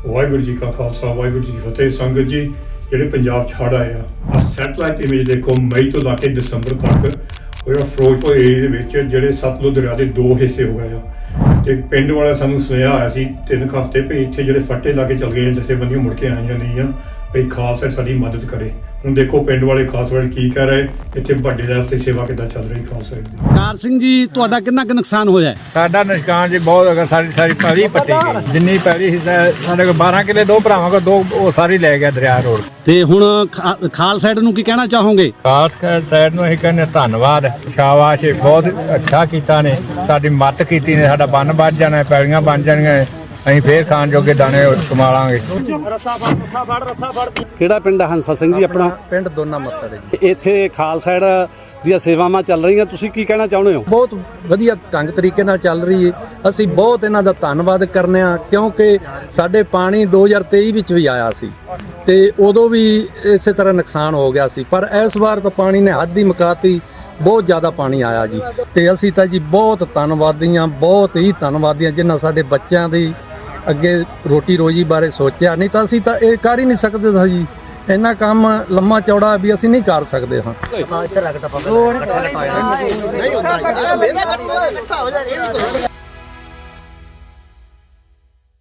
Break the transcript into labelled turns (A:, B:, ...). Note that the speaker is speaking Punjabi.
A: ਵਾਹਿਗੁਰੂ ਜੀ ਕਾ ਖਾਲਸਾ ਵਾਹਿਗੁਰੂ ਜੀ ਕੀ ਫਤਿਹ। ਸੰਗਤ ਜੀ, ਜਿਹੜੇ ਪੰਜਾਬ 'ਚ ਹੜ੍ਹ ਆਏ ਆ ਸੈਟਲਾਈਟ ਇਮੇਜ ਦੇਖੋ, ਮਈ ਤੋਂ ਲਾ ਕੇ ਦਸੰਬਰ ਤੱਕ ਉਹ ਜਿਹੜਾ ਫਿਰੋਜ਼ਪੁਰ ਏਰੀਏ ਦੇ ਵਿੱਚ ਜਿਹੜੇ ਸਤਲੁਜ ਦਰਿਆ ਦੇ 2 ਹਿੱਸੇ ਹੋ ਗਏ ਆ। ਤੇ ਪਿੰਡ ਵਾਲਾ ਸਾਨੂੰ ਸੁਨੇਹਾ ਆਇਆ ਸੀ 3 ਹਫ਼ਤੇ ਵੀ ਇੱਥੇ ਜਿਹੜੇ ਫੱਟੇ ਲਾ ਕੇ ਚੱਲ ਗਏ ਜਥੇਬੰਦੀਆਂ ਮੁੜ ਕੇ ਆਈਆਂ ਨਹੀਂ ਆ, ਵੀ ਖਾਲਸਾ ਸਾਡੀ ਮਦਦ ਕਰੇ। ਹੁਣ ਦੇਖੋ ਪਿੰਡ ਵਾਲੇ ਖਾਲਸਾ ਵਾਲੇ ਕੀ ਕਹਿ ਰਹੇ, ਇੱਥੇ ਵੱਡੇ ਲੈਵਲ ਤੇ ਸੇਵਾ ਕਿੱਦਾਂ ਚੱਲ ਰਹੀ ਖਾਲਸਾ ਦੀ।
B: ਕਾਰ ਸਿੰਘ ਜੀ, ਤੁਹਾਡਾ ਕਿੰਨਾ ਕੁ ਨੁਕਸਾਨ ਹੋਇਆ?
C: ਸਾਡਾ ਨੁਕਸਾਨ ਜੀ ਬਹੁਤ ਹੈਗਾ। ਸਾਰੀ ਪੈਲੀ ਪੱਟੀ ਗਈ, ਜਿੰਨੀ ਪੈਲੀ ਸੀ ਸਾਡੇ ਕੋਲ 12 ਕਿੱਲੇ, 2 ਭਰਾਵਾਂ ਕੋਲ 2 ਉਹ ਸਾਰੀ ਲੈ ਗਿਆ ਦਰਿਆ ਰੋਡ।
B: ਤੇ ਹੁਣ ਖਾਲ ਸਾਈਡ ਨੂੰ ਕੀ ਕਹਿਣਾ ਚਾਹੋਗੇ?
C: ਖਾਸ ਸਾਈਡ ਨੂੰ ਅਸੀਂ ਕਹਿੰਦੇ ਧੰਨਵਾਦ, ਸ਼ਾਬਾਸ਼, ਬਹੁਤ ਅੱਛਾ ਕੀਤਾ ਨੇ, ਸਾਡੀ ਮਦਦ ਕੀਤੀ ਨੇ। ਸਾਡਾ ਬੰਨ ਵੱਜ ਜਾਣਾ, ਪੈਲੀਆਂ ਬਣ ਜਾਣੀਆਂ, ਅਸੀਂ ਫੇਰ ਖਾਣ ਜੋਗੇ ਦਾਣੇ ਕਮਾ ਲਾਂਗੇ।
B: ਕਿਹੜਾ ਪਿੰਡ ਹੈ ਹੰਸਾ ਸਿੰਘ ਜੀ ਆਪਣਾ?
D: ਪਿੰਡ ਦੋਨਾ ਮੱਤੜ ਹੈ ਜੀ।
B: ਇੱਥੇ ਖਾਲ ਸਾਈਡ ਦੀਆਂ ਸੇਵਾਵਾਂ ਚੱਲ ਰਹੀਆਂ, ਤੁਸੀਂ ਕੀ ਕਹਿਣਾ ਚਾਹੁੰਦੇ ਹੋ?
D: ਬਹੁਤ ਵਧੀਆ ਢੰਗ ਤਰੀਕੇ ਨਾਲ ਚੱਲ ਰਹੀ ਹੈ। ਅਸੀਂ ਬਹੁਤ ਇਹਨਾਂ ਦਾ ਧੰਨਵਾਦ ਕਰਨੇ ਆ, ਕਿਉਂਕਿ ਸਾਡੇ ਪਾਣੀ 2023 ਵਿੱਚ ਵੀ ਆਇਆ ਸੀ ਤੇ ਉਦੋਂ ਵੀ ਇਸੇ ਤਰ੍ਹਾਂ ਨੁਕਸਾਨ ਹੋ ਗਿਆ ਸੀ, ਪਰ ਇਸ ਵਾਰ ਤਾਂ ਪਾਣੀ ਨੇ ਹੱਦ ਹੀ ਮੁਕਾਤੀ, ਬਹੁਤ ਜ਼ਿਆਦਾ ਪਾਣੀ ਆਇਆ ਜੀ। ਤੇ ਅਸੀਂ ਤਾਂ ਜੀ ਬਹੁਤ ਧੰਨਵਾਦੀਆਂ, ਬਹੁਤ ਹੀ ਧੰਨਵਾਦੀਆਂ, ਜਿਨ੍ਹਾਂ ਸਾਡੇ ਬੱਚਿਆਂ ਦੀ ਅੱਗੇ ਰੋਟੀ ਰੋਜੀ ਬਾਰੇ ਸੋਚਿਆ। ਨਹੀਂ ਤਾਂ ਅਸੀਂ ਤਾਂ ਇਹ ਕਰ ਹੀ ਨਹੀਂ ਸਕਦੇ ਸਾਂ ਜੀ, ਇੰਨਾ ਕੰਮ ਲੰਮਾ ਚੌੜਾ ਵੀ ਅਸੀਂ ਨਹੀਂ ਕਰ ਸਕਦੇ ਹਾਂ।